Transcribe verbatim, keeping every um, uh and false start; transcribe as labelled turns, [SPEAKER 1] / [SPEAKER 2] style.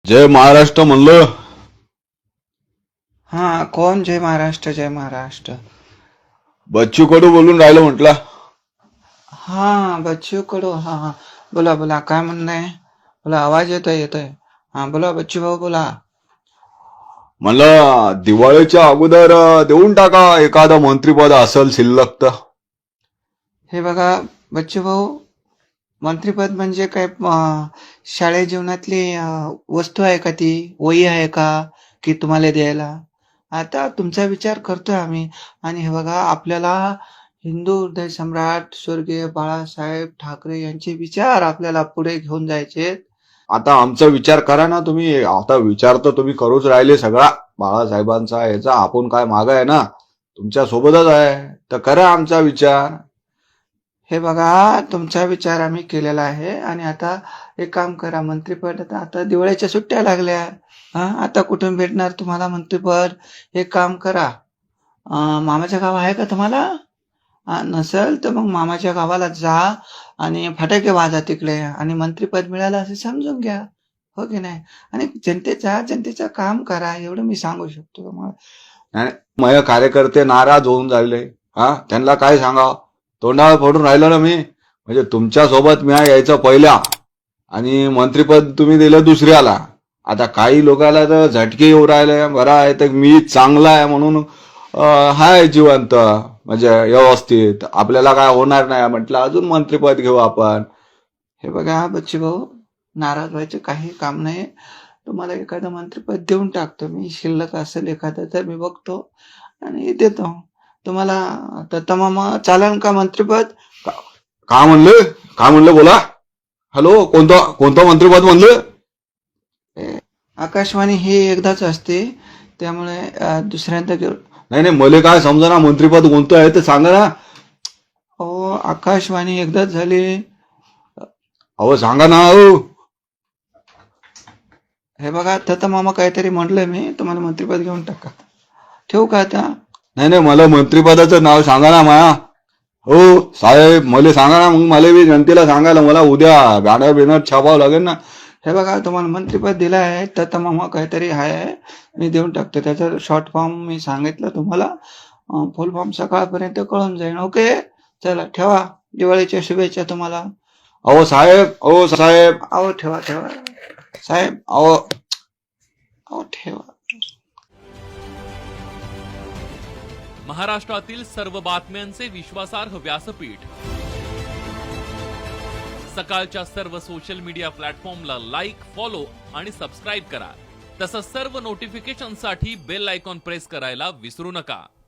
[SPEAKER 1] जय महाराष्ट्र म्हणलं.
[SPEAKER 2] हा, कोण? जय महाराष्ट्र, जय महाराष्ट्र.
[SPEAKER 1] बच्चू कडू बोलून राहिलो म्हटलं.
[SPEAKER 2] हा, बच्चू कडू. हा हा, बोला बोला, काय म्हणणं? बोला, आवाज येतोय येतोय. हा बोला बच्चू भाऊ, बोला.
[SPEAKER 1] म्हणलं दिवाळीच्या अगोदर देऊन टाका एखादं मंत्रीपद असेल शिल्लक तर.
[SPEAKER 2] हे बघा बच्चू भाऊ, मंत्रीपद म्हणजे काय? अं, शाळे जीवनातली अं, वस्तू आहे का? ती वही आहे का की तुम्हाला द्यायला? आता तुमचा विचार करतोय आम्ही. आणि हे बघा, आपल्याला हिंदू हृदय सम्राट स्वर्गीय बाळासाहेब ठाकरे यांचे विचार आपल्याला पुढे घेऊन जायचे.
[SPEAKER 1] आता आमचा विचार करा ना तुम्ही. आता विचार तर तुम्ही करूच राहिले सगळा बाळासाहेबांचा याचा. आपण काय माग आहे ना, तुमच्या सोबतच आहे, तर करा आमचा विचार.
[SPEAKER 2] हे बघा, तुमचा विचार आम्ही केलेला आहे. आणि आता एक काम करा, मंत्रिपद आता आता दिवाळीच्या सुट्ट्या लागल्या. हा, आता कुठून भेटणार तुम्हाला मंत्रिपद? एक काम करा, अं, मामाच्या गाव आहे का तुम्हाला? हा, नसेल तर मग मामाच्या गावाला जा आणि फटाके वाजा तिकडे, आणि मंत्रिपद मिळालं असं समजून घ्या. हो की नाही? आणि जनतेचा जनतेचं काम करा, एवढं मी सांगू शकतो तुम्हाला.
[SPEAKER 1] नाही, माझे कार्यकर्ते नाराज होऊन राहिले. हा, त्यांना काय सांगा? तोंडावर फोडून राहिलो ना मी. म्हणजे तुमच्या सोबत मी यायचं पहिल्या, आणि मंत्रीपद तुम्ही दिलं दुसऱ्याला. आता काही लोकांना तर झटके येऊ राहिले. बरं आहे तर मी चांगला आहे म्हणून अं, हाय जिवंत, म्हणजे व्यवस्थित, आपल्याला काय होणार नाही म्हटलं अजून मंत्रीपद घेऊ आपण.
[SPEAKER 2] हे बघा बच्ची भाऊ, नाराज व्हायचं काही काम नाही. तुम्हाला एखादं मंत्रिपद देऊन टाकतो मी. शिल्लक असेल एखादं तर मी बघतो आणि देतो तुम्हाला. तर तमाम चालेल का मंत्रिपद?
[SPEAKER 1] का म्हणलं? काय म्हणलं बोला. हॅलो, कोणतं कोणतं मंत्रिपद म्हणलं?
[SPEAKER 2] ए, आकाशवाणी ही एकदाच असते, त्यामुळे अं, दुसऱ्यांदा घेऊ.
[SPEAKER 1] नाही नाही, मला काय समजा ना मंत्रिपद कोणतं आहे ते सांगा ना.
[SPEAKER 2] हो, आकाशवाणी एकदाच झाली.
[SPEAKER 1] अहो सांगा ना. अहो
[SPEAKER 2] हे बघा, तर मामा काहीतरी म्हटलंय मी तुम्हाला, मंत्रिपद घेऊन टाका. ठेवू का आता?
[SPEAKER 1] नाही नाही, मला मंत्रिपदाचं नाव सांगा ना माया. हो साहेब, मला सांगा ना, मग मला बी जनतेला सांगायला मला उद्या बॅनर बिनर छापावं लागेल ना.
[SPEAKER 2] हे बघा, तुम्हाला मंत्रिपद दिलं आहे तर मामा काहीतरी आहे, मी देऊन टाकतो. त्याचा शॉर्ट फॉर्म मी सांगितलं तुम्हाला, फुल फॉर्म सकाळपर्यंत कळून जाईल. ओके, चला ठेवा. दिवाळीच्या शुभेच्छा तुम्हाला.
[SPEAKER 1] अहो साहेब, अहो साहेब,
[SPEAKER 2] अहो ठेवा ठेवा साहेब,
[SPEAKER 1] अहो
[SPEAKER 2] अहो ठेवा.
[SPEAKER 3] महाराष्ट्रातील सर्व बातम्यांचे विश्वासार्ह व्यासपीठ. सकाळच्या सर्व सोशल मीडिया प्लॅटफॉर्मला लाईक, फॉलो आणि सबस्क्राईब करा. तसंच सर्व नोटिफिकेशनसाठी बेल आयकॉन प्रेस करायला विसरू नका.